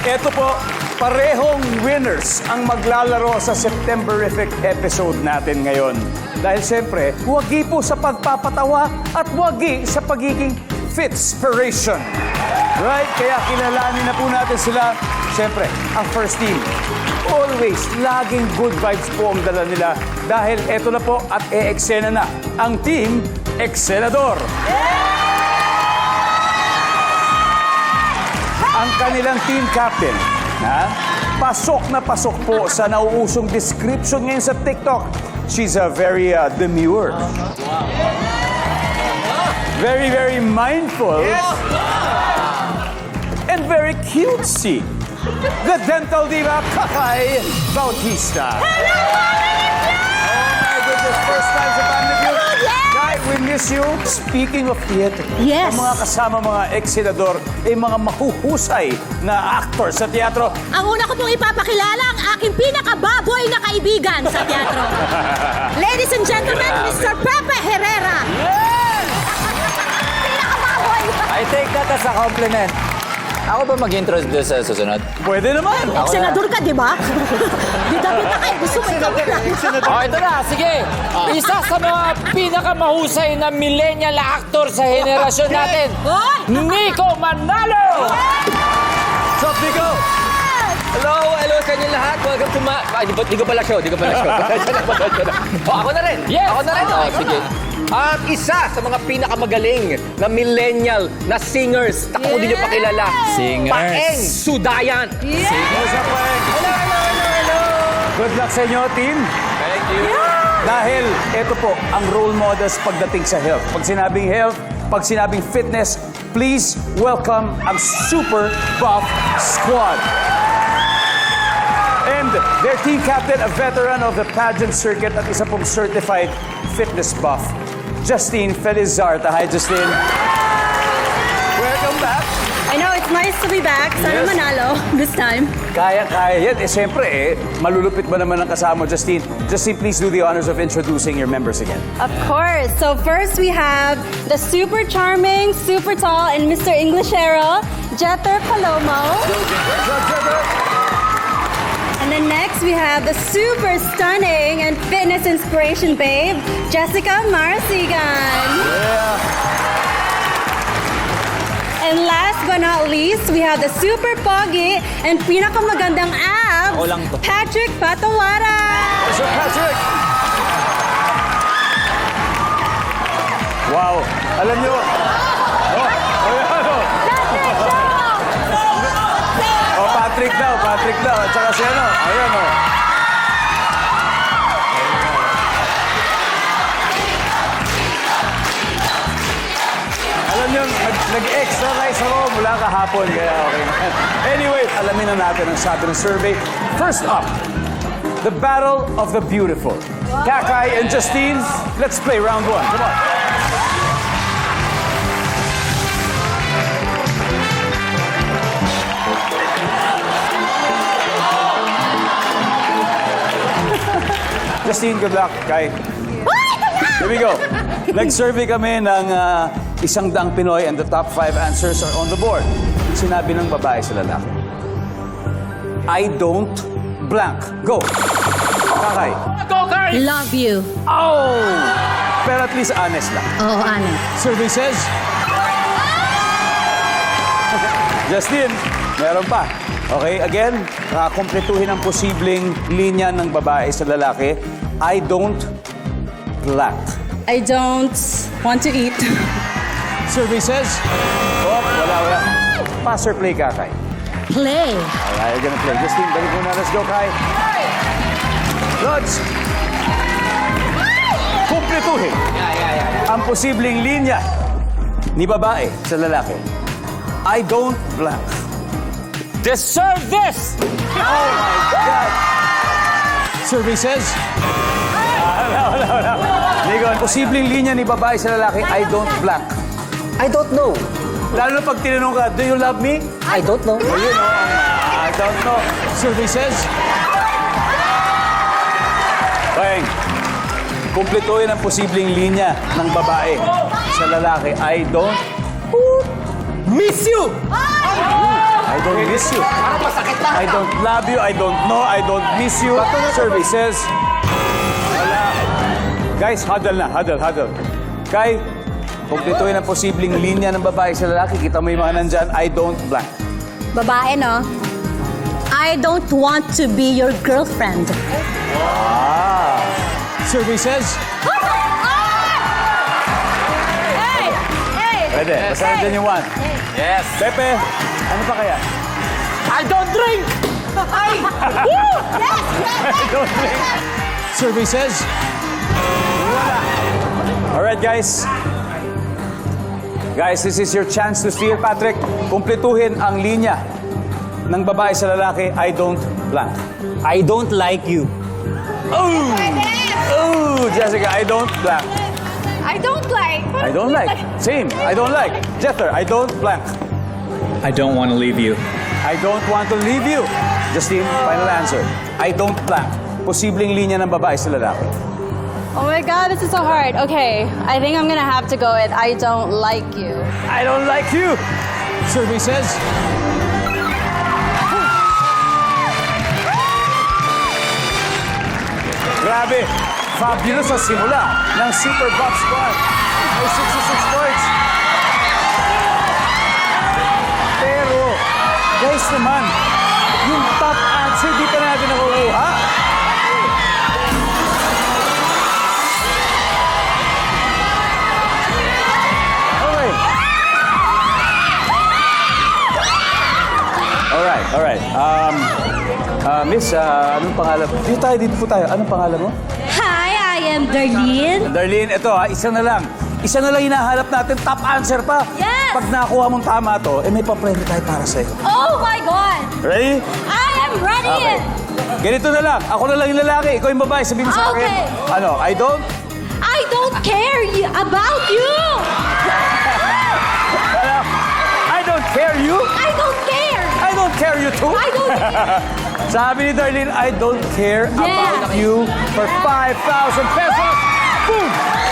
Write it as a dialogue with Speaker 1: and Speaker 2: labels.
Speaker 1: Eto po, parehong winners ang maglalaro sa Septemberific episode natin ngayon. Dahil siyempre, wagi po sa pagpapatawa at wagi sa pagiging fitspiration. Right? Kaya kilalanin na po natin sila. Siyempre, ang first team. Always, laging good vibes po ang dala nila. Dahil eto na po at e-eksena na ang Team Excelador. Ang kanilang team captain, pasok na pasok po sa nauusong description ngayon sa TikTok. She's a very demure. Very, very mindful. And very cutesy. The dental diva, Kakay Bautista.
Speaker 2: Hello,
Speaker 1: Oh my goodness, first time sa Family Feud. Kai, we miss you. Speaking of theater,
Speaker 2: Yes.
Speaker 1: ang mga kasama mga ex-senador ay mga mahuhusay na actor sa teatro.
Speaker 2: Ang una ko pong ipapakilala ang aking pinakababoy na kaibigan sa teatro. Ladies and gentlemen, Mr. Pepe Herrera. Pinakababoy.
Speaker 3: I take that as a compliment. Ako ba mag-introduce sa susunod?
Speaker 1: Pwede naman.
Speaker 2: Senador ka, di ba? Bida-bida kayo. Gusto mo ikaw lang.
Speaker 3: Oh, ito na, sige. Isa sa mga pinakamahusay na millennial actor sa henerasyon natin, Nico Manalo!
Speaker 1: What's up, Nico?
Speaker 4: Hello sa inyo lahat. Welcome to my... Ay, di ko pala show. Ako na rin.
Speaker 3: Yes.
Speaker 4: Ako na rin. Sige. At isa sa mga pinakamagaling na millennial na singers. Tako din nyo pakilala.
Speaker 3: Singers.
Speaker 4: Paeng Sudayan.
Speaker 1: What's up, Paeng?
Speaker 4: Hello.
Speaker 1: Good luck sa inyo, team.
Speaker 4: Thank you.
Speaker 1: Dahil ito po ang role models pagdating sa health. Pag sinabing health, pag sinabing fitness, please welcome ang Super Buff Squad. And their team captain, a veteran of the pageant circuit at isa pong certified fitness buff, Justine Felizarta. Hi, Justine. Welcome back.
Speaker 2: I know, it's nice to be back. Sana
Speaker 1: Yes.
Speaker 2: manalo this time.
Speaker 1: Kaya-kaya yan. Siyempre malulupit ba naman ang kasama, Justine? Justine, please do the honors of introducing your members again.
Speaker 5: Of course. So first we have the super charming, super tall, and Mr. Englishero, Jeter Palomo. And then next we have the super stunning and fitness inspiration babe, Jessica Marsigan. And last but not least, we have the super pogi and pinakamagandang abs,
Speaker 3: Ako lang to.
Speaker 5: Patrick Patawara.
Speaker 1: Sir Patrick! Wow! Alam nyo, Patrick daw. At saka si ano, ayan o. Alam nyo, nag-exercise ako mula kahapon, kaya okay na. Anyway, alamin na natin ang sabi ng survey. First up, the Battle of the Beautiful. Kakay and Justine, let's play round one. Come on. Justine, good luck. Kai. Here we go. Nag-survey kami ng 100 Pinoy and the top 5 answers are on the board. Sinabi ng babae sa lalaki, I don't blank. Go. Kakay.
Speaker 3: Go, Kai!
Speaker 2: Love you.
Speaker 1: Oh! Pero at least honest lang.
Speaker 2: Oo, Ana.
Speaker 1: Survey says... Justine, meron pa. Okay, again, kumpletuhin ang posibleng linya ng babae sa lalaki. I don't blank.
Speaker 5: I don't want to eat.
Speaker 1: Survey says... Oh, wala. Pass or play, Kakay?
Speaker 2: Play.
Speaker 1: Alright, you're gonna play. Justine, balik muna. Let's go, Kai. Lods! Kumpletuhin ang posibleng linya ni babae sa lalaki. I don't blank.
Speaker 3: Deserve this!
Speaker 1: Oh my God! Survey says... Wala. Nico, posibleng linya ni babae sa lalaki, I don't blank.
Speaker 4: I don't know.
Speaker 1: Lalo na pag tinanong ka, do you love me?
Speaker 4: I don't know.
Speaker 1: Ayun, I don't know. Survey says... Peng, kumpletuhin ang posibleng linya ng babae sa lalaki, I don't...
Speaker 4: Miss you!
Speaker 1: I don't miss you.
Speaker 4: Parang masakit na.
Speaker 1: I don't love you. I don't know. I don't miss you. Survey says, wala. Guys, huddle na. Huddle. Kay, kumpletuhin ang posibleng linya ng babae sa lalaki. Kita mo yung mga nandyan. I don't blank.
Speaker 2: Babae, no? I don't want to be your girlfriend.
Speaker 1: Survey says, pwede. Basta nandyan yung one.
Speaker 4: Yes.
Speaker 1: Pepe, ano pa kaya?
Speaker 3: I don't drink!
Speaker 1: I don't think. Survey says, wala. Alright, guys. Guys, this is your chance to steal, Patrick. Kumpletuhin ang linya ng babae sa lalaki. I don't blank.
Speaker 3: I don't like you.
Speaker 1: Oh, Jessica, I don't blank.
Speaker 5: I don't like.
Speaker 1: I don't like. Same. I don't like. Jether, I don't blank.
Speaker 6: I don't want to leave you.
Speaker 1: I don't want to leave you. Justine, final answer. I don't blank. Posibleng linya ng babae sa lalaki.
Speaker 5: Oh my God, this is so hard. Okay, I think I'm gonna have to go with I don't like you.
Speaker 1: I don't like you. Survey says, grabe. Fabulous sa simula ng Super Bob Squad. May 66 points. Pero, guys naman, yung top answer, di pa natin nakukuha. Okay. Alright. Miss, anong pangalan? Dito po tayo. Anong pangalan mo?
Speaker 2: Hi, I am Darlene.
Speaker 1: Darlene, ito isa na lang. Isa na lang hinahanap natin, top answer pa.
Speaker 2: Yes!
Speaker 1: Pag nakuha mong tama to, may papremyo tayo para sa'yo.
Speaker 2: Oh my God!
Speaker 1: Ready?
Speaker 2: I am ready!
Speaker 1: Okay. Ganito na lang. Ako na lang yung lalaki, ikaw yung babae. Sabihin mo sa akin.
Speaker 2: Okay.
Speaker 1: Ano, I don't?
Speaker 2: I don't care about you!
Speaker 1: Ano? I don't care you?
Speaker 2: I don't care!
Speaker 1: I don't care you too?
Speaker 2: I don't care!
Speaker 1: Sabi ni Darlene, I don't care
Speaker 2: Yeah.
Speaker 1: about you for 5,000 pesos. Boom!